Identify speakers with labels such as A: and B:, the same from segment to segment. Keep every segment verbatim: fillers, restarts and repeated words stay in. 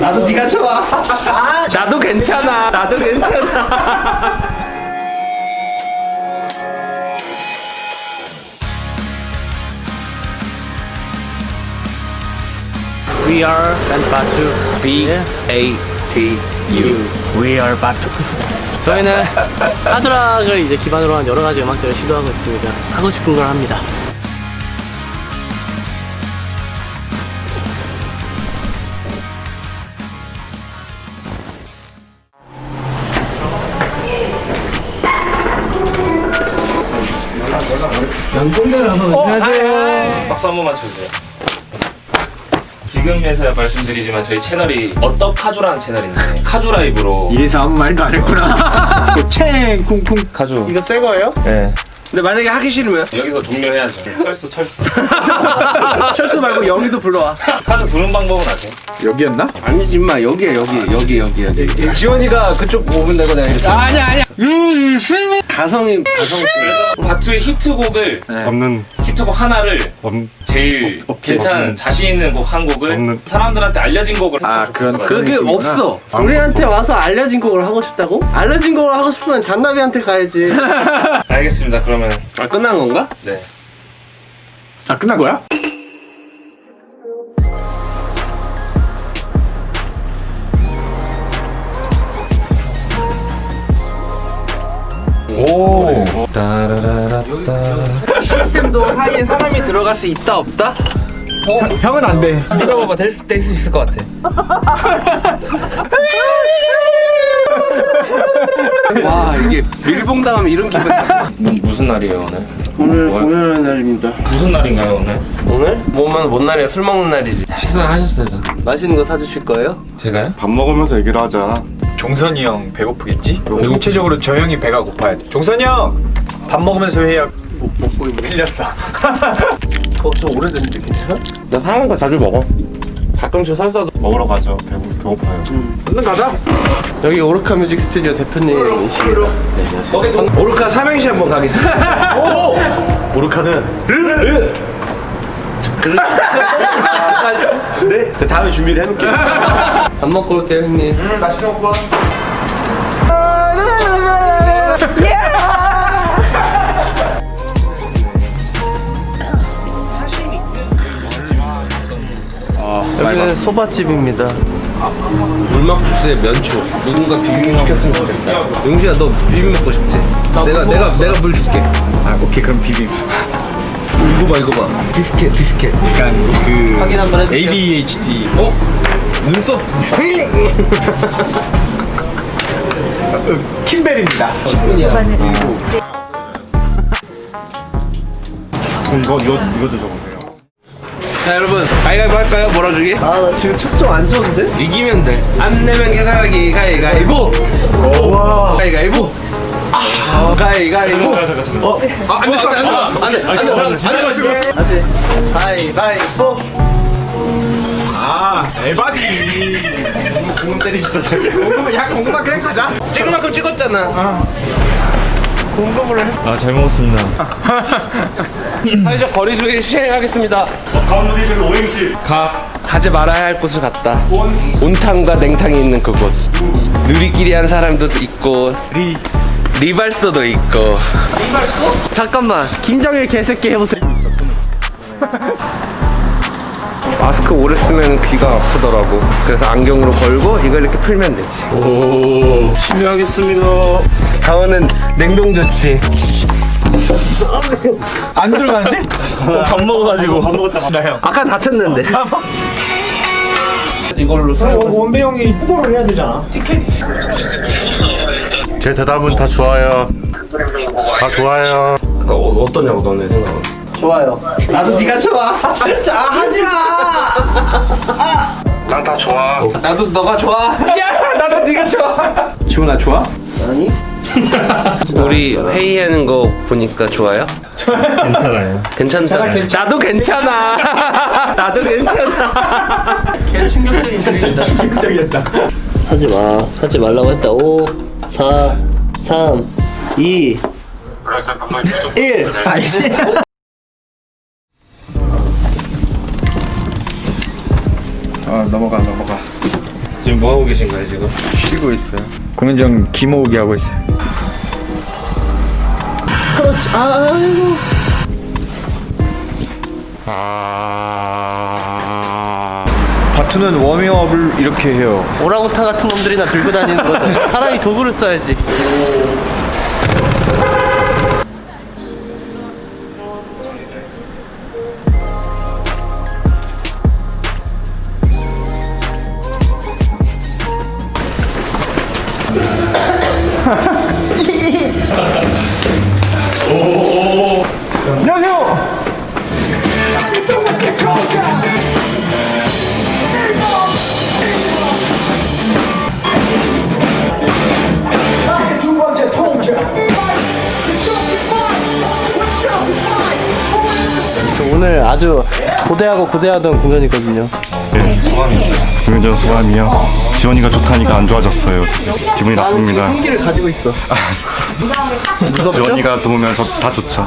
A: 나도 네가 좋아. 나도 괜찮아. 나도 괜찮아. We are Batu. B A T U. We are Batu. 저희는 하드락을 이제 기반으로 한 여러 가지 음악들을 시도하고 있습니다. 하고 싶은 걸 합니다. 양동대를 한번 안녕하세요.
B: 박수 한 번만 쳐주세요. 지금에서야 말씀드리지만 저희 채널이 어떤 카주라는 채널인데 카주 라이브로
C: 이래서 아무 말도 안 했구나. 챙 쿵쿵
B: 카주.
A: 이거 새 거예요?
B: 네.
A: 근데 만약에 하기 싫으면?
B: 여기서 종료해야죠. 철수 철수.
A: 철수 말고 영희도 불러와.
B: 카주 부르는 방법은 아세요?
C: 여기였나?
A: 아니지 임마 여기야 여기 여기 여기 여기. 지원이가 그쪽 오면 되고 내가 이렇게. 아니야 아니야. 가성이 가성.
B: 그래서 바투의 히트곡을
C: 네.
D: 없는
B: 히트곡 하나를
D: 없는
B: 제일
D: 없-
B: 괜찮은
D: 없는.
B: 자신 있는 곡 한 곡을
D: 없는.
B: 사람들한테 알려진 곡을
C: 아,
B: 했으면
C: 그런-
B: 좋겠어가지고.
A: 그게
C: 느낌이구나.
A: 없어.
D: 아무것도
A: 우리한테 와서 알려진 곡을 하고 싶다고? 알려진 곡을 하고 싶으면 잔나비한테 가야지.
B: 알겠습니다. 그러면
A: 아 끝난 건가?
B: 네.
C: 아 끝난 거야?
B: 오. 따라라라따.
A: 시스템도 사이에 사람이 들어갈 수 있다 없다?
C: 형은 안 돼.
A: 물어봐봐 될 수 있을 것 같아. 와 이게 밀봉당하면 이런 기분이야.
B: 뭐, 무슨 날이에요 오늘?
A: 오늘
B: 뭘?
A: 공연하는 날입니다.
B: 무슨 날인가요 오늘?
A: 오늘? 뭐면 뭔 날이야? 술 먹는 날이지.
B: 식사하셨어요 다?
A: 맛있는 거 사주실 거예요?
B: 제가요?
D: 밥 먹으면서 얘기를 하자.
C: 종선이 형 배고프겠지? 총체적으로 저 형이 배가 고파야 돼. 종선이 형! 밥 먹으면서 회의야.
A: 뭐 먹고 있네.
C: 틀렸어.
A: 그거 좀 오래됐는데 괜찮아? 나 사는 거 자주 먹어. 가끔씩 살사도.
D: 먹으러 가죠. 배고 배고파요.
C: 얼른 가자.
A: 여기 오르카 뮤직 스튜디오 대표님이십니다. 네, 안녕하세요. 오르카 삼행시 한번 가겠습니다. 오!
C: 오르카는
A: 르!
C: 네. 다음에 준비를 해놓을게.
A: 밥 먹고 올게요 형님.
C: 응, 맛있게 먹고 와.
A: 여기는 소바집입니다. 물막국수에 면추. 누군가 비빔 시켰으면 좋겠다. 용지야 너 비빔 먹고 싶지? 내가 내가 내가 물 줄게.
C: 아 오케이 그럼 비빔.
A: 이거 봐 이거 봐. 비스켓 비스켓.
C: 약간 그
A: 확인 한번 해주세요.
C: 에이 디 에이치 디.
A: 어? 눈썹.
C: 킴벨입니다.
D: 이거 이거 이거 드셔보세요.
A: 자 여러분 가위가위보 할까요? 몰아주기?
E: 아 나 지금 척좀 안 좋은데?
A: 이기면 돼. 안 내면 계산하기 가위가위보.
E: 와
A: 가위가위보. 아 가위가위보.
E: 어?
A: 아, 안 됐어, 안 됐어, 안 돼, 안 됐어, 안 됐어.
E: 다시 가위바위보.
C: 아 에바지. 공금 때리시죠 저기. 공금 야 공금만 그냥 가자.
A: 찍을 만큼 찍었잖아.
C: 공금으로 해.
B: 아 잘 먹었습니다.
A: 사회적 거리두기 시행하겠습니다.
D: 가운데 오행시.
A: 가 가지 말아야 할 곳을 갔다. 온탕과 냉탕이 있는 그곳. 누리끼리 한 사람도 있고 리 리발소도 있고. 리발소? 잠깐만 김정일 개새끼 해보세요. 마스크 오래 쓰면 귀가 아프더라고. 그래서 안경으로 걸고 이걸 이렇게 풀면 되지.
B: 오. 심의하겠습니다.
A: 강원은 냉동 조치.
C: 안 들어가는데?
B: 밥 먹어가지고.
D: 밥 먹었다.
C: 나 형.
A: 아까 다쳤는데. 이걸로 사.
C: 원배 형이 후보를 해야 되잖아.
D: 제 대답은 다 좋아요. 다 좋아요.
A: 그러니까 어, 어떠냐고 너네 생각은.
E: 좋아요.
A: 나도 네가 좋아.
E: 진짜 아, 하지마.
D: 난 다 좋아.
A: 나도 너가 좋아. 야, 나도 네가 좋아.
C: 지훈아 좋아?
E: 아니?
A: 우리 회의하는 거 보니까 좋아요?
B: 괜찮아요.
A: 괜찮다. 나도 괜찮아. 나도 괜찮아. 개 충격적인
C: 충격적이었다.
E: 하지마. 하지 말라고 했다. 오, 사, 삼, 이, 일.
C: 아이씨. 아 넘어가 넘어가.
B: 지금 뭐 하고 계신가요 지금?
C: 쉬고 있어요. 공연 중 기모으기 하고 있어요.
E: 그렇지. 아이고.
D: 아.
C: 바투는 워밍업을 이렇게 해요.
E: 오랑우탄 같은 놈들이나 들고 다니는 거죠. 차라리 도구를 써야지.
C: 안녕하세요.
E: 오늘 아주 고대하고 고대하던 공연이거든요.
F: 공연 전 소감이요. 지원이가 좋다니까 안 좋아졌어요. 기분이 나쁩니다.
E: 흉기를 가지고 있어. 무섭죠?
F: 지원이가 좋으면 저 다 좋죠.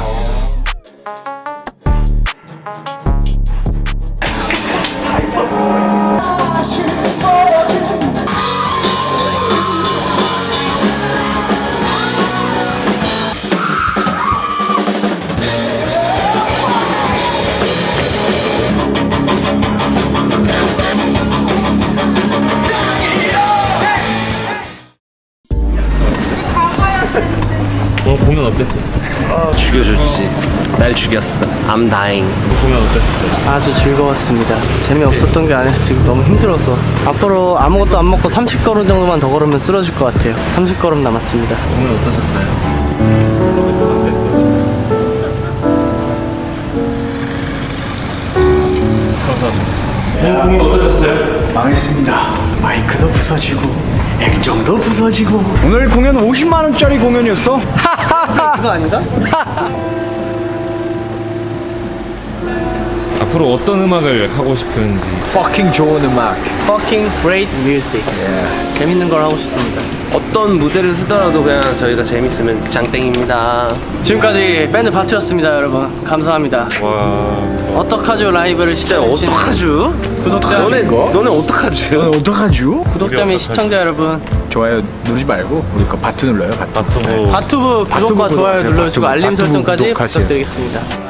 B: 오늘 공연 어땠어?
A: 죽여줬지. 날 죽였어. I'm dying.
B: 공연 어땠었어요?
E: 아주 즐거웠습니다. 재미없었던 게 아니라 지금 너무 힘들어서. 앞으로 아무것도 안 먹고 삼십 걸음 정도만 더 걸으면 쓰러질 것 같아요. 삼십 걸음 남았습니다.
B: 공연 어떠셨어요? 감사합니다. 공연 어떠셨어요?
C: 망했습니다. 마이크도 부서지고 액정도 부서지고. 오늘 공연 오십만 원짜리 공연이었어.
E: 그거 아닌가?
B: 앞으로 어떤 음악을 하고 싶은지.
C: Fucking 좋은 음악.
E: Fucking great music. 재밌는 걸 하고 싶습니다.
A: 어떤 무대를 쓰더라도 그냥 저희가 재밌으면 장땡입니다.
E: 지금까지 밴드 바투였습니다, 여러분. 감사합니다. 어떡하죠 라이브를
A: 진짜
E: 시청해주신
A: 어떡하죠?
E: 구독자
A: 너네 너네 어떡하죠?
C: 어떡하죠?
E: 구독자 및 시청자 여러분,
C: 좋아요 누르지 말고 우리 거 바투 눌러요. 바투.
F: 바투부
E: 바투브 구독과
C: 바투브
E: 좋아요
C: 구독하세요.
E: 눌러주시고
C: 바투브,
E: 알림
C: 바투브
E: 설정까지
C: 구독하세요.
E: 부탁드리겠습니다.